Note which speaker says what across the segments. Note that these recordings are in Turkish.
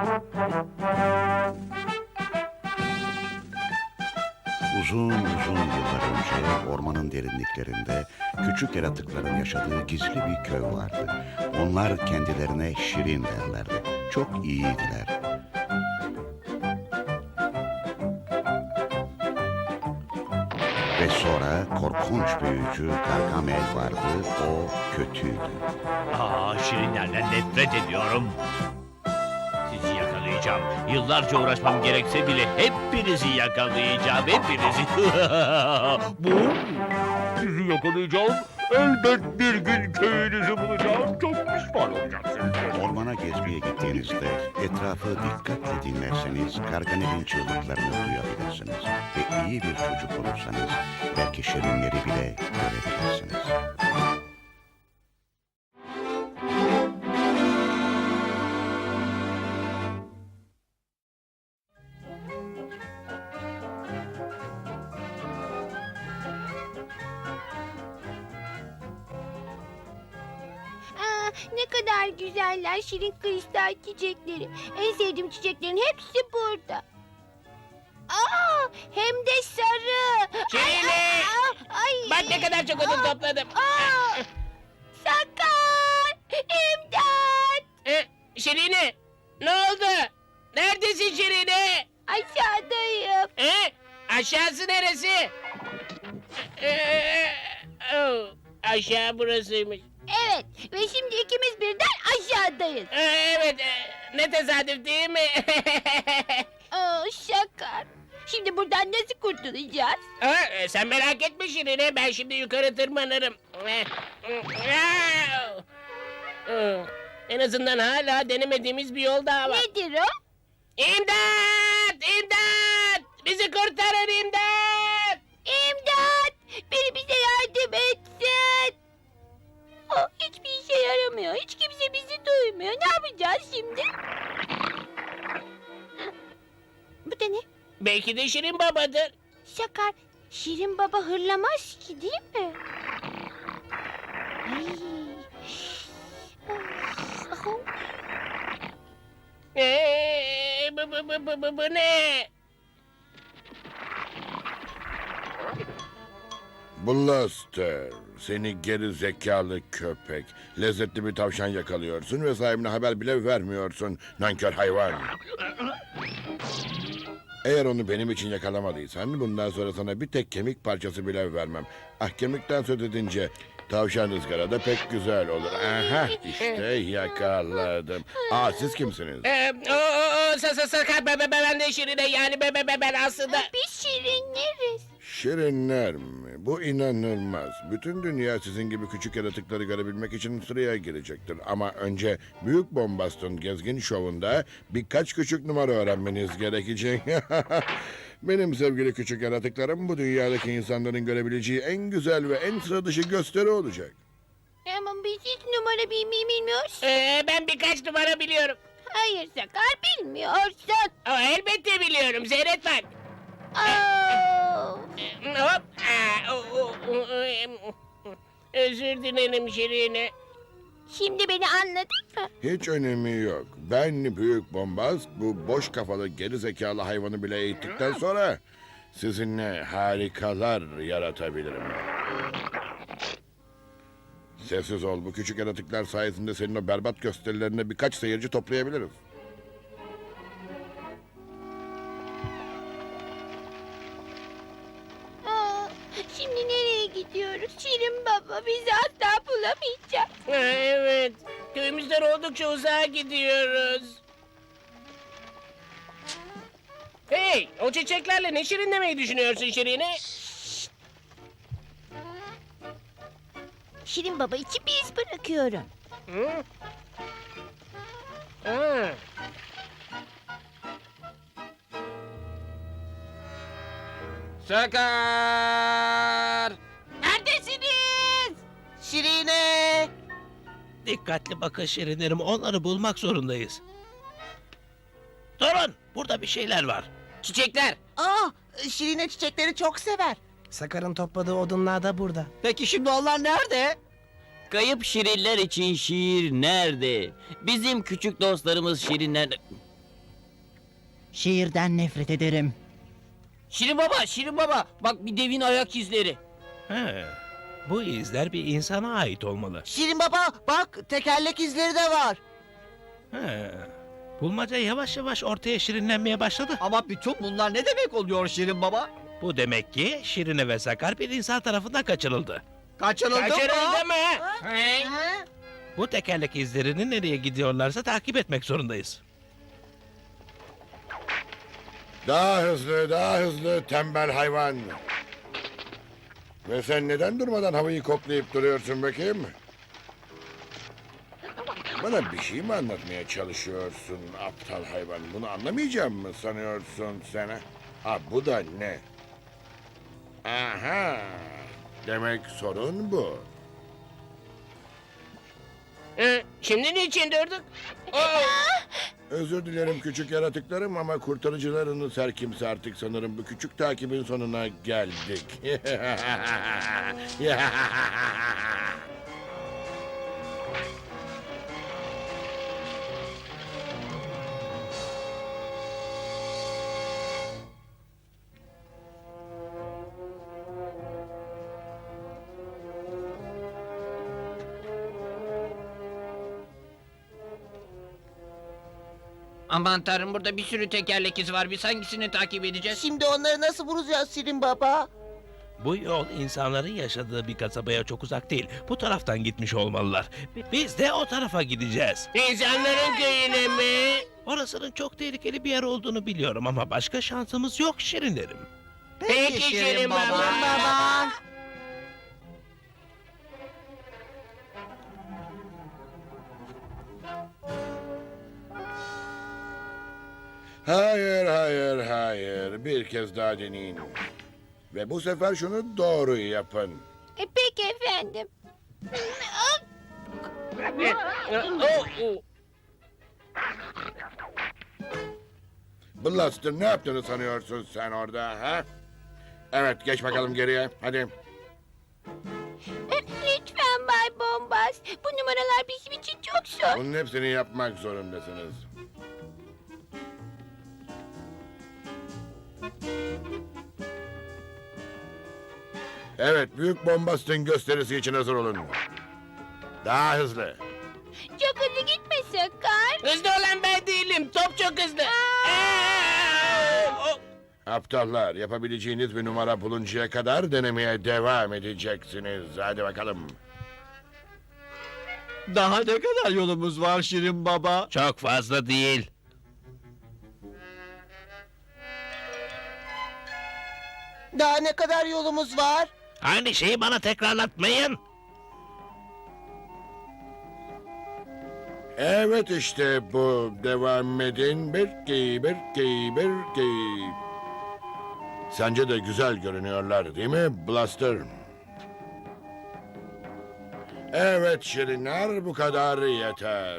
Speaker 1: Uzun uzun yıllar önce ormanın derinliklerinde küçük yaratıkların yaşadığı gizli bir köy vardı. Onlar kendilerine Şirin derlerdi. Çok iyiydiler. Ve sonra korkunç büyücü Gargamel vardı. O kötüydü.
Speaker 2: Şirinlerden nefret ediyorum. Sizi yakalayacağım. Yıllarca uğraşmam gerekse bile hepinizi yakalayacağım. Hepinizi. Bu? Sizi yakalayacağım. Elbet bir gün köyünüzü bulacağım. Çok pişman olacaksınız.
Speaker 1: Ormana gezmeye gittiğinizde etrafı dikkatle dinlerseniz Gargamel'in çığlıklarını duyabilirsiniz. Ve iyi bir çocuk olursanız belki şirinleri bile görebilirsiniz.
Speaker 3: Ne kadar güzeller şirin kristal çiçekleri. En sevdiğim çiçeklerin hepsi burada. Hem de sarı.
Speaker 4: Şirine!
Speaker 3: Ay.
Speaker 4: Bak ne kadar çok odun topladım.
Speaker 3: Sakar! İmdat!
Speaker 4: Şirine! Ne oldu? Neredesin Şirine?
Speaker 3: Aşağıdayım.
Speaker 4: Aşağısı neresi? Aşağı burasıymış.
Speaker 3: Evet ve şimdi ikimiz birden aşağıdayız.
Speaker 4: Evet, ne tesadüf değil mi?
Speaker 3: Sakar. Şimdi buradan nasıl kurtulacağız?
Speaker 4: Sen merak etme Şirine, ben şimdi yukarı tırmanırım. En azından hala denemediğimiz bir yol daha var.
Speaker 3: Nedir o?
Speaker 4: İmdat! İmdat! Bizi kurtarın imdat!
Speaker 3: İmdat! Biri bize yardım etsin. Hiçbir işe yaramıyor. Hiç kimse bizi duymuyor. Ne yapacağız şimdi? Bu da ne?
Speaker 4: Belki de Şirin babadır.
Speaker 3: Sakar, Şirin Baba hırlamaz ki değil mi? Ay.
Speaker 4: Bu ne?
Speaker 5: Blaster, seni geri zekalı köpek. Lezzetli bir tavşan yakalıyorsun ve sahibine haber bile vermiyorsun. Nankör hayvan. Eğer onu benim için yakalamadıysan bundan sonra sana bir tek kemik parçası bile vermem. Kemikten söz edince tavşan ızgarada pek güzel olur. Aha, işte yakaladım. Siz kimsiniz?
Speaker 4: Sakar ben de Şirin'e yani ben aslında...
Speaker 3: Biz şirinleriz.
Speaker 5: Şirinler mi? Bu inanılmaz. Bütün dünya sizin gibi küçük yaratıkları görebilmek için sıraya girecektir. Ama önce Büyük Bombast'ın gezgin şovunda birkaç küçük numara öğrenmeniz gerekecek. Benim sevgili küçük yaratıklarım bu dünyadaki insanların görebileceği en güzel ve en sıra dışı gösteri olacak.
Speaker 3: Ama biz hiç numara bilmiyoruz.
Speaker 4: Ben birkaç numara biliyorum.
Speaker 3: Hayır Sakar bilmiyorsun.
Speaker 4: Elbette biliyorum, seyret bak. Hop. Özür dilerim Şirin'e.
Speaker 3: Şimdi beni anladın mı?
Speaker 5: Hiç önemi yok. Ben Büyük Bombast bu boş kafalı geri zekalı hayvanı bile eğittikten sonra sizinle harikalar yaratabilirim. Sessiz ol. Bu küçük yaratıklar sayesinde senin o berbat gösterilerine birkaç seyirci toplayabiliriz.
Speaker 3: Şimdi nereye gidiyoruz? Şirin Baba bizi asla bulamayacak.
Speaker 4: Evet, köyümüzden oldukça uzağa gidiyoruz. Hey, o çiçeklerle ne şirinlemeyi düşünüyorsun Şirin'e?
Speaker 3: Şirin Baba için bir iz bırakıyorum.
Speaker 4: Hı? Ha. Sakar!
Speaker 3: Neredesiniz?
Speaker 4: Şirine!
Speaker 6: Dikkatli bakın şirinlerim, onları bulmak zorundayız. Durun, burada bir şeyler var.
Speaker 4: Çiçekler!
Speaker 7: Şirine çiçekleri çok sever.
Speaker 8: Sakar'ın topladığı odunlar da burada.
Speaker 7: Peki şimdi onlar nerede?
Speaker 9: Kayıp şirinler için şiir nerede? Bizim küçük dostlarımız şirinler...
Speaker 7: Şiirden nefret ederim.
Speaker 4: Şirin baba, Şirin baba. Bak bir devin ayak izleri.
Speaker 6: He, bu izler bir insana ait olmalı.
Speaker 7: Şirin baba bak tekerlek izleri de var.
Speaker 6: He, bulmaca yavaş yavaş ortaya şirinlenmeye başladı.
Speaker 9: Ama bütün bunlar ne demek oluyor Şirin Baba?
Speaker 6: Bu demek ki Şirine ve Sakar bir insan tarafından kaçırıldı.
Speaker 9: Kaçırıldı mı?
Speaker 4: Kaçırıldı mı? He?
Speaker 6: Bu tekerlek izlerini nereye gidiyorlarsa takip etmek zorundayız.
Speaker 5: Daha hızlı, daha hızlı tembel hayvan. Ve sen neden durmadan havayı koklayıp duruyorsun bakayım? Bana bir şey mi anlatmaya çalışıyorsun aptal hayvan? Bunu anlamayacağım mı sanıyorsun sen? Ha bu da ne? Aha! Demek sorun bu.
Speaker 4: Şimdi niçin durduk?
Speaker 5: Özür dilerim küçük yaratıklarım ama kurtarıcılarınız her kimse artık sanırım bu küçük takibin sonuna geldik.
Speaker 4: Aman tanrım, burada bir sürü tekerlek izi var. Biz hangisini takip edeceğiz?
Speaker 7: Şimdi onları nasıl bulacağız Şirin baba?
Speaker 6: Bu yol insanların yaşadığı bir kasabaya çok uzak değil. Bu taraftan gitmiş olmalılar. Biz de o tarafa gideceğiz.
Speaker 4: İnsanların köyüne mi?
Speaker 6: Orasının çok tehlikeli bir yer olduğunu biliyorum ama başka şansımız yok şirinlerim.
Speaker 4: Peki Şirin baba.
Speaker 5: Hayır, hayır, hayır. Bir kez daha deneyin. Ve bu sefer şunu doğru yapın.
Speaker 3: Peki efendim.
Speaker 5: Blaster ne yaptığını sanıyorsun sen orada ha? Evet geç bakalım geriye hadi.
Speaker 3: Lütfen Bay Bombas. Bu numaralar bizim için çok zor.
Speaker 5: Bunun hepsini yapmak zorundasınız. Evet büyük bombastın gösterisi için hazır olun. Daha hızlı.
Speaker 3: Çok hızlı gitme Sakar.
Speaker 4: Hızlı olan ben değilim. Top çok hızlı.
Speaker 5: Aptallar yapabileceğiniz bir numara buluncaya kadar denemeye devam edeceksiniz. Hadi bakalım.
Speaker 9: Daha ne kadar yolumuz var Şirin Baba?
Speaker 6: Çok fazla değil.
Speaker 7: Daha ne kadar yolumuz var?
Speaker 6: Aynı şeyi bana tekrarlatmayın.
Speaker 5: Evet işte bu. Devam edin. Bir. Sence de güzel görünüyorlar değil mi Blaster? Evet Şirinler bu kadar yeter.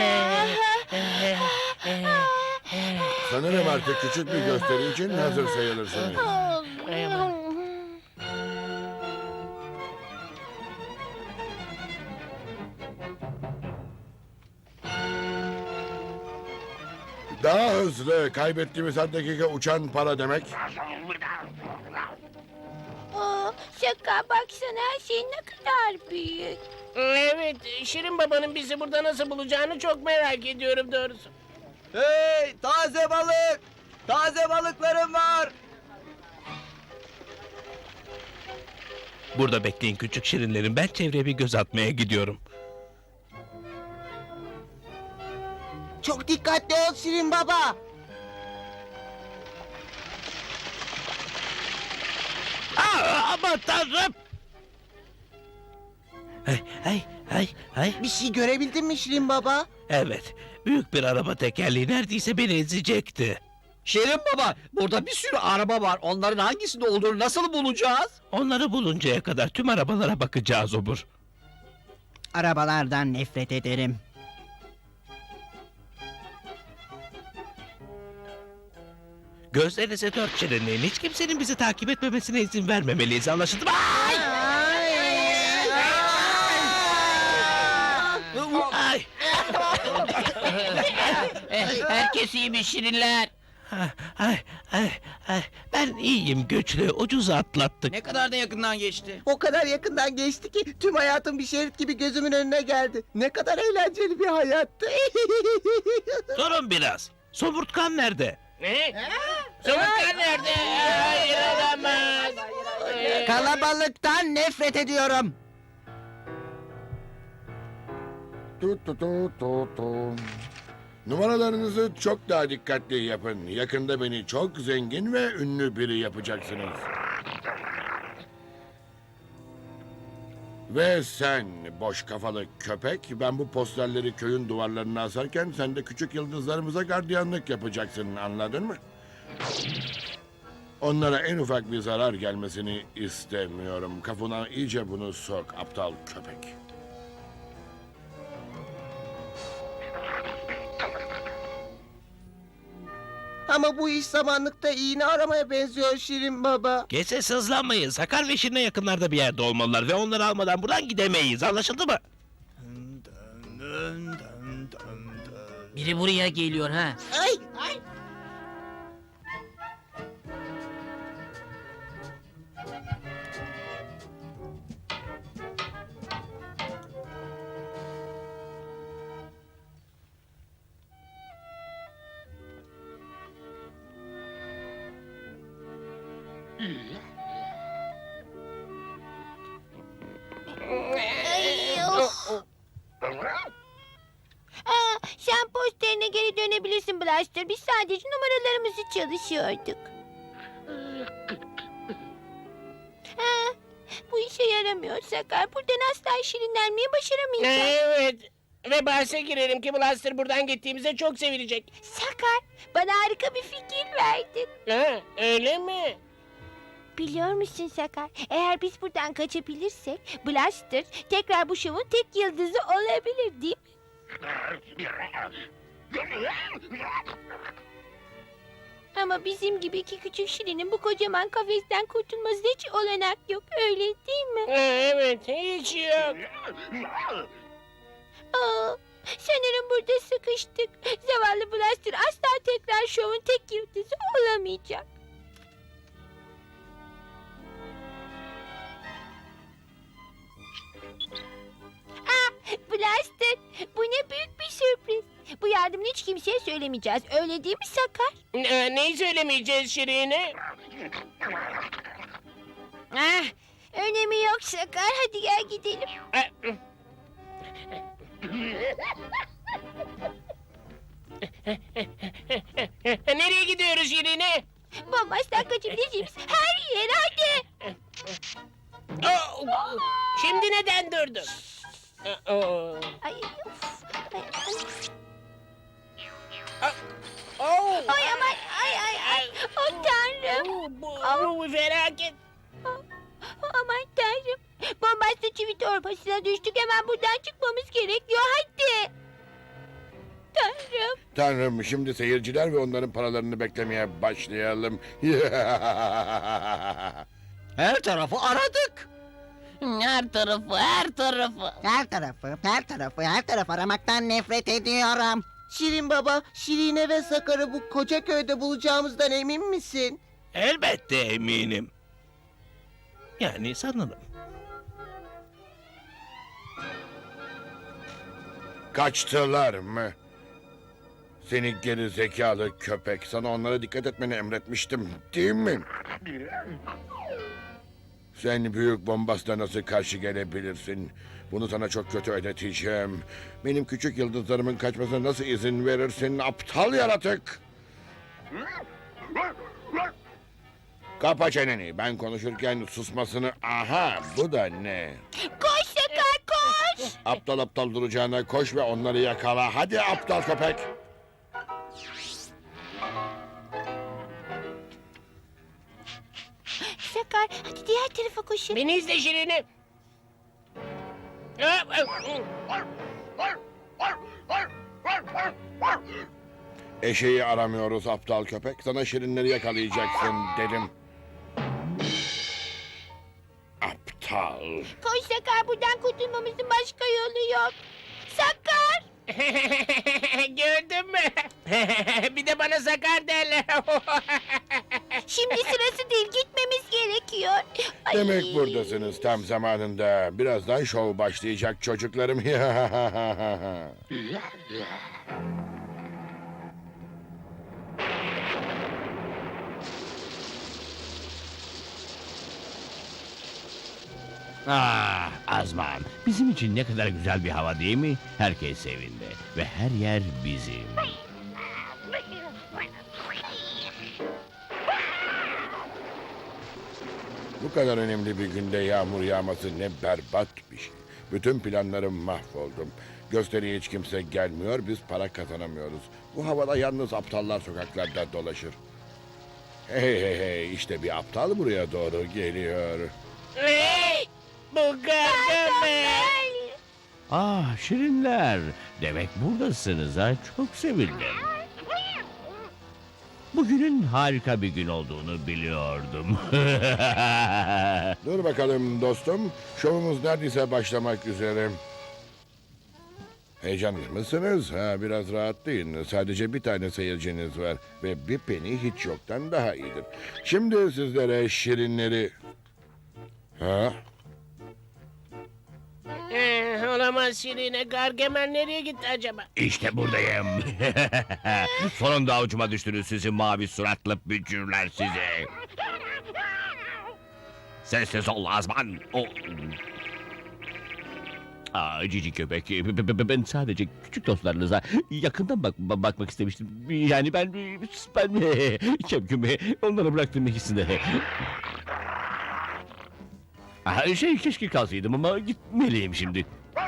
Speaker 5: Sanırım artık küçük bir gösteri için hazır sayılırsınız. Daha hızlı. Kaybettiğimiz her dakika uçan para demek.
Speaker 3: Sakar baksana her şey ne kadar büyük.
Speaker 4: Evet, Şirin babanın bizi burada nasıl bulacağını çok merak ediyorum doğrusu.
Speaker 9: Hey taze balık! Taze balıklarım var!
Speaker 6: Burada bekleyin küçük şirinlerim. Ben çevreye bir göz atmaya gidiyorum.
Speaker 7: Çok dikkatli ol Şirin baba.
Speaker 6: Aman tanrım! Hey.
Speaker 7: Bir şey görebildin mi Şirin baba?
Speaker 6: Evet, büyük bir araba tekerleği neredeyse beni ezecekti.
Speaker 9: Şirin Baba, burada bir sürü araba var. Onların hangisinde olduğunu nasıl bulacağız?
Speaker 6: Onları buluncaya kadar tüm arabalara bakacağız obur.
Speaker 7: Arabalardan nefret ederim.
Speaker 6: Gözlerinize dört şirinleyin. Hiç kimsenin bizi takip etmemesine izin vermemeliyiz. Anlaşıldı mı? Ay! Ay!
Speaker 4: Herkes iyi mi Şirinler?
Speaker 6: Ben iyiyim güçlü. Ucuz atlattık.
Speaker 9: Ne kadar da yakından geçti.
Speaker 7: O kadar yakından geçti ki tüm hayatım bir şerit gibi gözümün önüne geldi. Ne kadar eğlenceli bir hayattı.
Speaker 6: Durun biraz. Somurtkan nerede?
Speaker 4: Ne? Somurtkan nerede? Hayır olamaz.
Speaker 7: Kalabalıktan nefret ediyorum.
Speaker 5: Tut tut tut tut tut. Numaralarınızı çok daha dikkatli yapın. Yakında beni çok zengin ve ünlü biri yapacaksınız. Ve sen boş kafalı köpek, ben bu posterleri köyün duvarlarına asarken sen de küçük yıldızlarımıza gardiyanlık yapacaksın, anladın mı? Onlara en ufak bir zarar gelmesini istemiyorum. Kafana iyice bunu sok, aptal köpek.
Speaker 7: Ama bu iş samanlıkta iğne aramaya benziyor Şirin Baba.
Speaker 6: Gece sızlanmayın. Sakar ve Şirin'e yakınlarda bir yerde olmalılar ve onları almadan buradan gidemeyiz. Anlaşıldı mı?
Speaker 9: Biri buraya geliyor ha.
Speaker 7: Ay!
Speaker 3: Sen posterine geri dönebilirsin Blaster. Biz sadece numaralarımızı çalışıyorduk. Bu işe yaramıyor Sakar. Buradan asla şirinlenmeyi başaramayacağız.
Speaker 4: Evet. Ve bahse girelim ki Blaster buradan gittiğimizde çok sevinecek.
Speaker 3: Sakar, bana harika bir fikir verdin.
Speaker 4: Ha, öyle mi?
Speaker 3: Biliyor musun Sakar? Eğer biz buradan kaçabilirsek Blaster tekrar bu şovun tek yıldızı olabilir değil mi? Ama bizim gibi iki küçük şirinin bu kocaman kafesten kurtulması hiç olanak yok. Öyle değil mi?
Speaker 4: Evet, hiç yok.
Speaker 3: Sanırım burada sıkıştık. Zavallı Blaster asla tekrar şovun tek yıldızı olamayacak. Blaster, bu ne büyük bir sürpriz. Bu yardımını hiç kimseye söylemeyeceğiz. Öyle değil mi Sakar?
Speaker 4: Neyi söylemeyeceğiz Şirin'e?
Speaker 3: Önemi yok Sakar. Hadi gel gidelim.
Speaker 4: Nereye gidiyoruz Şirin'e?
Speaker 3: Bombastan kaçabileceğimiz her yere hadi.
Speaker 4: Şimdi neden durdun?
Speaker 3: Ay, of.
Speaker 4: Oh.
Speaker 3: Ay aman ay. Oh tanrım.
Speaker 4: Bu felaket.
Speaker 3: Aman tanrım. Bombastan çivi torbasına düştük. Hemen buradan çıkmamız gerekiyor. Hadi. Tanrım.
Speaker 5: Tanrım, şimdi seyirciler ve onların paralarını beklemeye başlayalım.
Speaker 9: Her tarafı aradık.
Speaker 7: Her tarafı aramaktan nefret ediyorum. Şirin Baba, Şirine ve Sakar'ı bu koca köyde bulacağımızdan emin misin?
Speaker 6: Elbette eminim. Yani sanırım.
Speaker 5: Kaçtılar mı? Seni geri zekalı köpek. Sana onlara dikkat etmeni emretmiştim, değil mi? Sen büyük bombasla nasıl karşı gelebilirsin? Bunu sana çok kötü ödeteceğim. Benim küçük yıldızlarımın kaçmasına nasıl izin verirsin, aptal yaratık? Kapa çeneni. Ben konuşurken susmasını... Aha, bu da ne?
Speaker 3: Koş Sakar koş.
Speaker 5: Aptal aptal duracağına koş ve onları yakala. Hadi aptal köpek.
Speaker 3: Sakar hadi diğer tarafa koşun.
Speaker 4: Beni izle Şirin'e.
Speaker 5: Eşeği aramıyoruz aptal köpek. Sana şirinleri yakalayacaksın dedim. Aptal.
Speaker 3: Koş Sakar buradan kurtulmamızın başka yolu yok. Sakar.
Speaker 4: Gördün mü? Bir de bana sakar derler.
Speaker 3: Şimdi sırası değil, gitmemiz gerekiyor. Ay.
Speaker 5: Demek buradasınız tam zamanında. Birazdan şov başlayacak çocuklarım.
Speaker 2: Ah Azman, bizim için ne kadar güzel bir hava değil mi? Herkes evinde ve her yer bizim.
Speaker 5: Bu kadar önemli bir günde yağmur yağması ne berbat bir şey. Bütün planlarım mahvoldum. Gösteriye hiç kimse gelmiyor, biz para kazanamıyoruz. Bu havada yalnız aptallar sokaklarda dolaşır. Hey hey hey, işte bir aptal buraya doğru geliyor.
Speaker 4: Hey! Bu Gargamel.
Speaker 2: Ah şirinler, demek buradasınız ha, çok sevindim. Bugünün harika bir gün olduğunu biliyordum.
Speaker 5: Dur bakalım dostum, şovumuz neredeyse başlamak üzere. Heyecanlı mısınız? Ha, biraz rahatlayın. Sadece bir tane seyirciniz var ve bir peni hiç yoktan daha iyidir. Şimdi sizlere şirinleri... Ha?
Speaker 4: Olamaz Şirine. Gargamel nereye gitti acaba?
Speaker 2: İşte buradayım. Sonunda avucuma düştünüz sizi mavi suratlı bücürler sizi. Sessiz ol Azman. Cici köpek. Ben sadece küçük dostlarınıza yakından bakmak istemiştim. Yani ben kemkümü onlara bıraktım ikisini. Keşke kalsaydım ama gitmeliyim şimdi.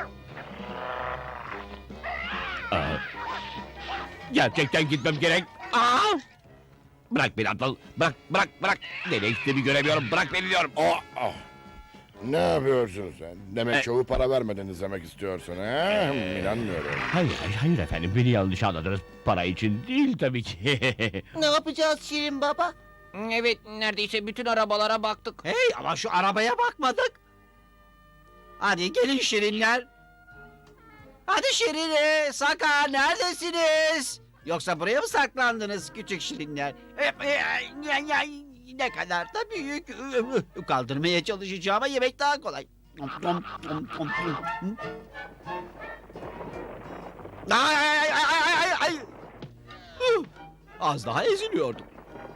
Speaker 2: Gerçekten gitmem gerek. Bırak beni aptal. Bırak. Nereye gittiğimi göremiyorum. Bırak beni diyorum.
Speaker 5: Ne yapıyorsun sen? Demek şovu para vermeden izlemek istiyorsun ha? İnanmıyorum.
Speaker 2: Hayır efendim. Beni yanlış anladınız. Para için değil tabii ki.
Speaker 7: Ne yapacağız Şirin Baba?
Speaker 4: Evet, neredeyse bütün arabalara baktık.
Speaker 9: Hey ama şu arabaya bakmadık. Hadi gelin şirinler. Hadi Şirine, Sakar neredesiniz? Yoksa buraya mı saklandınız küçük şirinler? Ne kadar da büyük. Kaldırmaya çalışacağım ama yemek daha kolay. Ay. Az daha eziliyordum.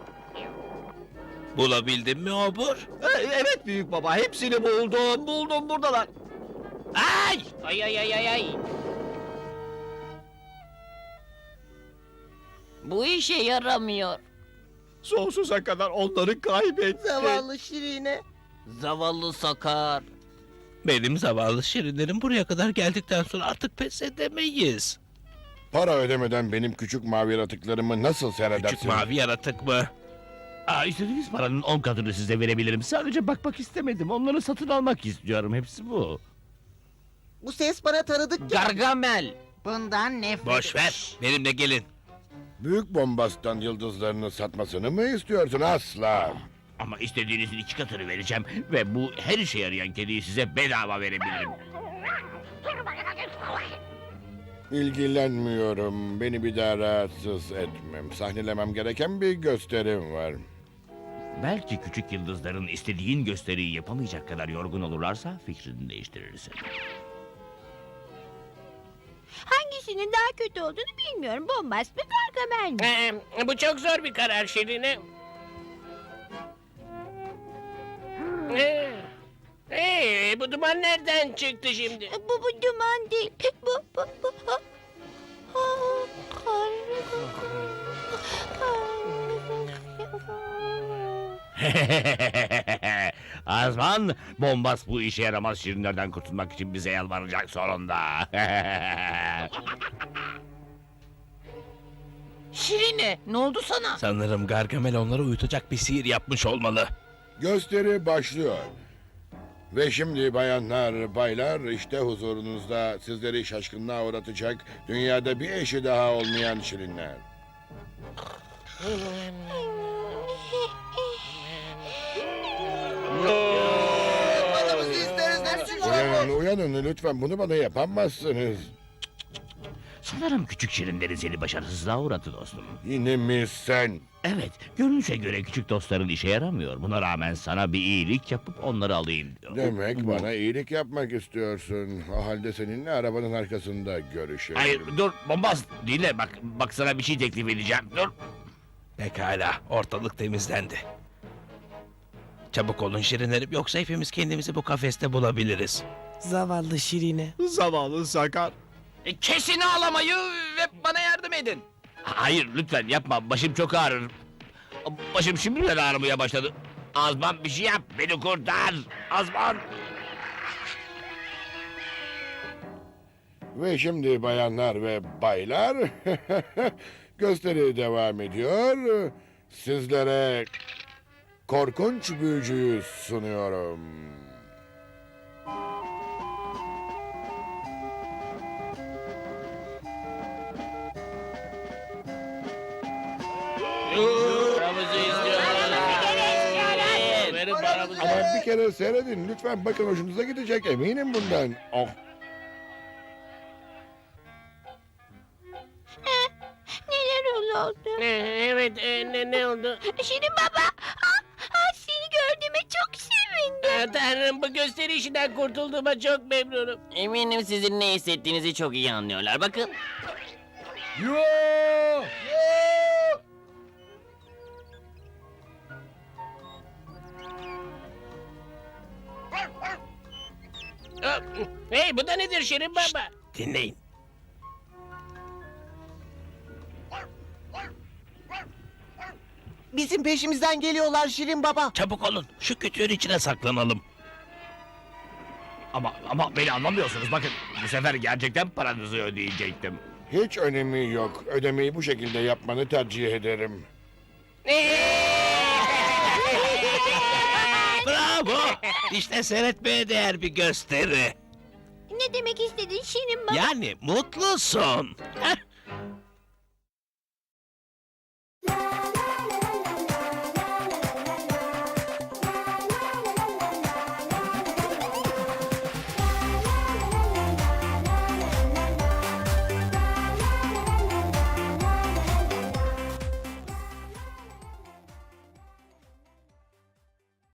Speaker 6: Bulabildin mi obur?
Speaker 9: Evet büyük baba, hepsini buldum buradalar. Ay!
Speaker 4: Ay.
Speaker 3: Bu işe yaramıyor.
Speaker 9: Sonsuza kadar onları kaybettim.
Speaker 7: Zavallı Şirine.
Speaker 4: Zavallı Sakar.
Speaker 6: Benim zavallı şirinlerim buraya kadar geldikten sonra artık pes edemeyiz.
Speaker 5: Para ödemeden benim küçük mavi yaratıklarımı nasıl seyredersin?
Speaker 6: Küçük mavi yaratık mı?
Speaker 2: İstediğiniz paranın 10 katını size verebilirim. Sadece bakmak istemedim. Onları satın almak istiyorum. Hepsi bu.
Speaker 7: Bu ses bana tanıdık geldi.
Speaker 4: Gargamel.
Speaker 7: Bundan nefret
Speaker 6: Boş ver. Benimle gelin.
Speaker 5: Büyük bombastan yıldızlarını satmasını mı istiyorsun? Asla.
Speaker 2: Ama istediğinizin 2 katını vereceğim. Ve bu her işe yarayan kediyi size bedava verebilirim.
Speaker 5: İlgilenmiyorum. Beni bir daha rahatsız etmem. Sahnelemem gereken bir gösterim var.
Speaker 2: Belki küçük yıldızların istediğin gösteriyi yapamayacak kadar yorgun olurlarsa fikrini değiştirirsin.
Speaker 3: Hangisinin daha kötü olduğunu bilmiyorum. Bombast mı, Gargamel mi?
Speaker 4: Bu çok zor bir karar Şirine. Bu duman nereden çıktı şimdi?
Speaker 3: Bu duman değil. Bu.
Speaker 2: Azman, bombas bu işe yaramaz şirinlerden kurtulmak için bize yalvaracak sonunda.
Speaker 4: Şirine, ne oldu sana?
Speaker 6: Sanırım Gargamel onları uyutacak bir sihir yapmış olmalı.
Speaker 5: Gösteri başlıyor. Ve şimdi bayanlar, baylar, işte huzurunuzda sizleri şaşkınlığa uğratacak dünyada bir eşi daha olmayan şirinler.
Speaker 7: Yatmanımızı isteriz hepsi.
Speaker 5: Uyanın lütfen, bunu bana yapamazsınız.
Speaker 2: Sanırım küçük şirinlerin seni başarısızlığa uğradı dostum.
Speaker 5: Yine mi sen?
Speaker 2: Evet, görünüşe göre küçük dostların işe yaramıyor. Buna rağmen sana bir iyilik yapıp onları alayım diyor.
Speaker 5: Demek bana iyilik yapmak istiyorsun. O halde seninle arabanın arkasında görüşelim.
Speaker 2: Hayır, dur, bombaz. Dinle, bak sana bir şey teklif edeceğim. Dur.
Speaker 6: Pekala, ortalık temizlendi. Çabuk olun şirinlerim, yoksa hepimiz kendimizi bu kafeste bulabiliriz.
Speaker 8: Zavallı Şirine.
Speaker 9: Zavallı Sakar.
Speaker 4: Kesin ağlamayı ve bana yardım edin.
Speaker 2: Hayır, lütfen yapma. Başım çok ağrır. Başım şimdiden ağrımaya başladı. Azman bir şey yap, beni kurtar. Azman.
Speaker 5: Ve şimdi bayanlar ve baylar, gösteri devam ediyor. Sizlere korkunç büyücüyü sunuyorum.
Speaker 4: Paramızı istiyoruz. Verin paramızı.
Speaker 5: Ama bir kere seyredin lütfen, bakın hoşunuza gidecek, eminim bundan. Oh.
Speaker 3: Neler oldu?
Speaker 4: Evet, ne oldu?
Speaker 3: Şirin baba. Seni gördüğüme çok sevindim.
Speaker 4: Tanrım, bu gösteri işinden kurtulduğuma çok memnunum.
Speaker 10: Eminim sizin ne hissettiğinizi çok iyi anlıyorlar. Bakın.
Speaker 4: Hey, bu da nedir Şirin Baba?
Speaker 6: Dinleyin.
Speaker 7: Bizim peşimizden geliyorlar Şirin Baba.
Speaker 6: Çabuk olun, şu kütüğün içine saklanalım.
Speaker 2: Ama beni anlamıyorsunuz. Bakın, bu sefer gerçekten paranızı ödeyecektim.
Speaker 5: Hiç önemi yok. Ödemeyi bu şekilde yapmanı tercih ederim.
Speaker 6: Bravo! İşte seyretmeye değer bir gösteri.
Speaker 3: Ne demek istedin Şirin baba?
Speaker 6: Yani mutlusun. Heh.